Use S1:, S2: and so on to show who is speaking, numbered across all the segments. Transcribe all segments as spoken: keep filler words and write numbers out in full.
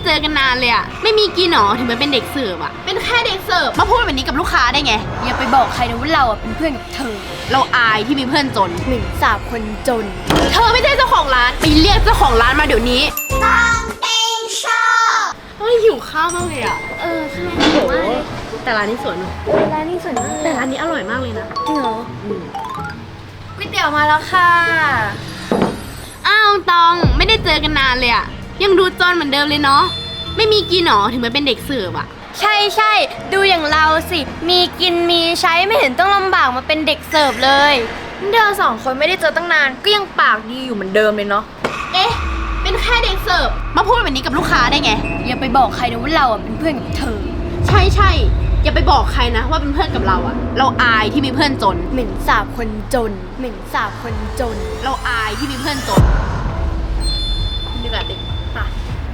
S1: เจอกันนานเลยอะไม่มีกินหรอถึงไปเป็นเด็กเสิร์ฟอะเป็นแค่เด็กเสิร์ฟมาพูดแบบนี้กับลูกค้าได้ไง
S2: อย่าไปบอกใครนะว่าเราอ่ะเป็นเพื่อนกับเธอ
S1: เราอายที่มีเพื่อนจน
S2: หนึ่งสาวคนจน
S1: เธอไม่ใช่เจ้าของร้านไปเรียกเจ้าของร้านมาเดี๋ยวนี้
S3: ต้องเต็งชอบ
S1: เฮ้ยหิวข้าวมากเลยอะ
S2: เออใช่หิวมากเลย
S1: แต่ร้านนี้สวยเนอะ
S2: ร้านนี้สวยมาก
S1: แต่ร้านนี้อร่อยมากเลยนะ
S2: จริงเหรอก๋วยเตี๋ยวมาแล้วค่ะ
S1: อ้าวตองไม่ได้เจอกันนานเลยอะยังดูจนเหมือนเดิมเลยเนาะไม่มีกินหรอถึงไปเป็นเด็กเสิร์ฟอะ
S2: ใช่ใช่ดูอย่างเราสิมีกินมีใช้ไม่เห็นต้องลำบากมาเป็นเด็กเสิร์ฟเลยเธอสองคนไม่ได้เจอตั้งนานก็ยังปากดีอยู่เหมือนเดิมเลยเนาะ
S1: เอ๊ะเป็นแค่เด็กเสิร์ฟมาพูดแบบนี้กับลูกค้าได้ไง
S2: อย่าไปบอกใครนะว่าเราอ่ะเป็นเพื่อนกับเธอ
S1: ใช่ใช่อย่าไปบอกใครนะว่าเป็นเพื่อนกับเราอะเราอายที่มีเพื่อนจน
S2: เหม็นสาบคนจนเหม็นสาบคนจน
S1: เราอายที่มีเพื่อนจนนี่แหละดิค่ะ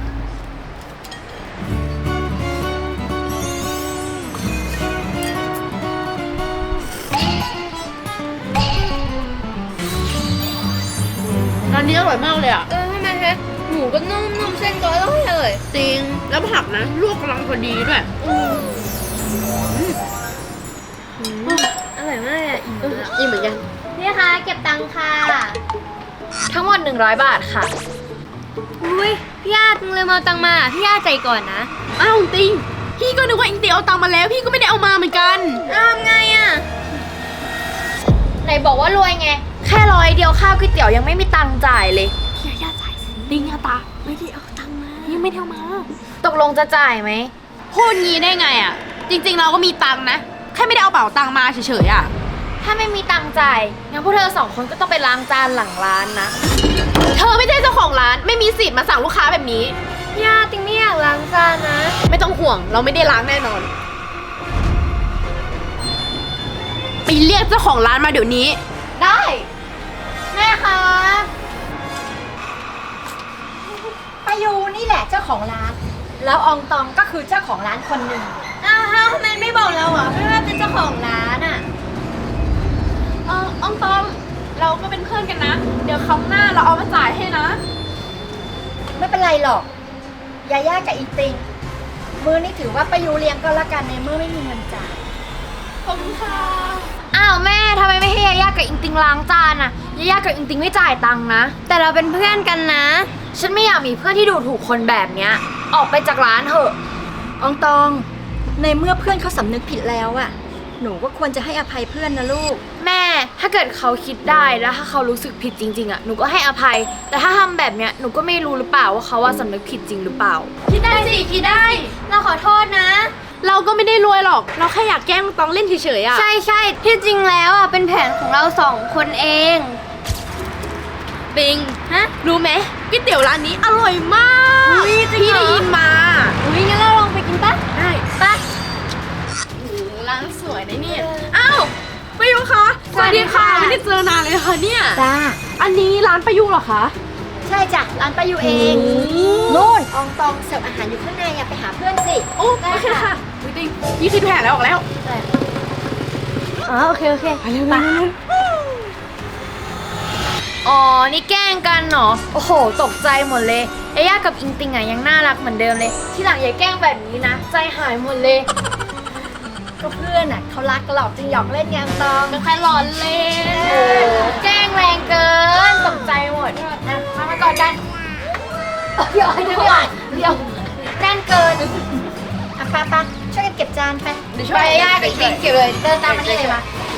S1: ร้านนี้อร่อยมากเลยอ่ะ
S2: เออทำไมคะหมูก็นุ่มนุ่มเส้นก็อร่อยเลย
S1: จริงแล้วผักนะลวกกำลังพอดีด้วย
S2: อร่อยมากอ่ะอิ่มเลย
S1: อิ่มเหมือนกัน
S2: นี่ค่ะเก็บตังค่ะทั้งหมดหนึ่งร้อยบาทค่ะอุ้ยพี่อาตึงเลยมาตังมาพี่อาใจก่อนนะ
S1: อ้าวติงพี่ก็นึกว่าอิงเตียเอาตังมาแล้วพี่ก็ไม่ได้เอามาเหมือนกัน
S2: อ้าวไงอ่ะไหนบอกว่ารวยไงแค่ร้อยเดียวข้าวก๋วยเตี๋ยวยังไม่มีตังค์จ่ายเลย
S1: พี่ย่าจ่ายสิติงอาตาไม่ได้เอาตังมายังไม่ได้เอามา
S2: ตกลงจะจ่ายไหม
S1: พูดงี้ได้ไงอ่ะจริงๆเราก็มีตังค์นะแค่ไม่ได้เอาเป๋าตังมาเฉยๆอ่ะ
S2: ถ้าไม่มีตังค์จ่ายงั้นพวกเธอสองคนก็ต้องไปล้างจานหลังร้านนะ
S1: เธอไม่ใช่เจ้าของร้านไม่มีสิทธิ์มาสั่งลูกค้าแบบนี้
S2: ย่าติงไม่อยากล้างจานนะ
S1: ไม่ต้องห่วงเราไม่ได้ล้างแน่นอนไปเรียกเจ้าของร้านมาเดี๋ยวนี้
S2: ได้แม่คะ
S3: ป้ายูนี่แหละเจ้าของร้านแล้วอองตองก็คือเจ้าของร้านคนหนึ่ง
S2: อ้าวทำไมไม่บอกเราอ่ะไม่ว่าเป็นเจ้าของร้านอ่ะ
S1: เอออองตองเราก็เป็นเพื่อนกันนะเดี๋ยวครั้งหน้าเราเอามาจ่ายให้นะ
S3: ไม่เป็นไรหรอกยาย่ากับอีติงมือนี่ถือว่าป้ายูเลี้ยงก็แล้วกันในเมื่อไม่มีเงินจ่าย
S1: ขอบคุณค่ะ
S2: อ้าวแม่ทำไมไม่ให้ยาย่ากับอิงติงล้างจานอ่ะยาย่ากับอิงติงไม่จ่ายตังค์นะแต่เราเป็นเพื่อนกันนะฉันไม่อยากมีเพื่อนที่ดูถูกคนแบบเนี้ยออกไปจากร้านเถอะ
S3: อองตองในเมื่อเพื่อนเขาสำนึกผิดแล้วอะหนูก็ควรจะให้อภัยเพื่อนนะลูก
S2: แม่ถ้าเกิดเขาคิดได้แล้วถ้าเขารู้สึกผิดจริงๆอะหนูก็ให้อภัยแต่ถ้าทำแบบเนี้ยหนูก็ไม่รู้หรือเปล่าว่าเขาว่าสำนึกผิดจริงหรือเปล่า
S1: คิดได้สิคิดได้
S2: เราขอโทษนะ
S1: เราก็ไม่ได้รวยหรอกเราแค่อยากแกล้งตองเล่นเฉยๆอะ
S2: ใช่ใช่ที่จริงแล้วอะเป็นแผนของเราสองคนเอง
S1: ปิง
S2: ฮะ
S1: รู้ไหมก๋วยเตี๋ยวร้านนี้อร่อยมากพี่ได้ยินมา
S2: อุ้ยงั้นเราลองไปกินปะ
S1: ได้
S2: ปะ
S1: ร้านสวยนะเนี่ยอ้าวป้ายุคะสวัสดีค่ะไม่ได้เจอนานเลยค่ะเนี่ย
S3: จ้า
S1: อันนี้ร้านป้ายุเหรอคะ
S3: ใช่จ้ะร้านป้ายูเองนู่นอองตองเสิร์ฟอาหารอยู่ข้างในอย่าไปหาเพื่อนสิ
S1: โอ้โอเคค่ะจริงยี่คิดแผนแล้วออกแล้ว
S2: อ๋อโอเคโอเค
S1: ไปเร็ว
S2: อ๋อนี่แกล้งกันเหรอโอ้โหตกใจหมดเลยยาย่ากับอิงติงอ่ะยังน่ารักเหมือนเดิมเลยที่หลังอย่าแกล้งแบบนี้นะใจหายหมดเลย
S3: ก็เพื่อนอ่ะเขารักหลอกจึงหยอกเล่นไงตอง
S1: ไม่ค่อยร้อนเล่น
S2: แกล้งแรงเกินตกใจหมด
S3: นะมามาก่อนกัน
S2: เดี๋ยวเดี๋ยวเดี๋ยวแน่นเกิน
S3: อ่ะป้าป้าช่วยกันเก็บจานไป
S2: เดี๋ยวช่วยย่ากับอิงเก็บเลยเดินตามมานี่เลยมา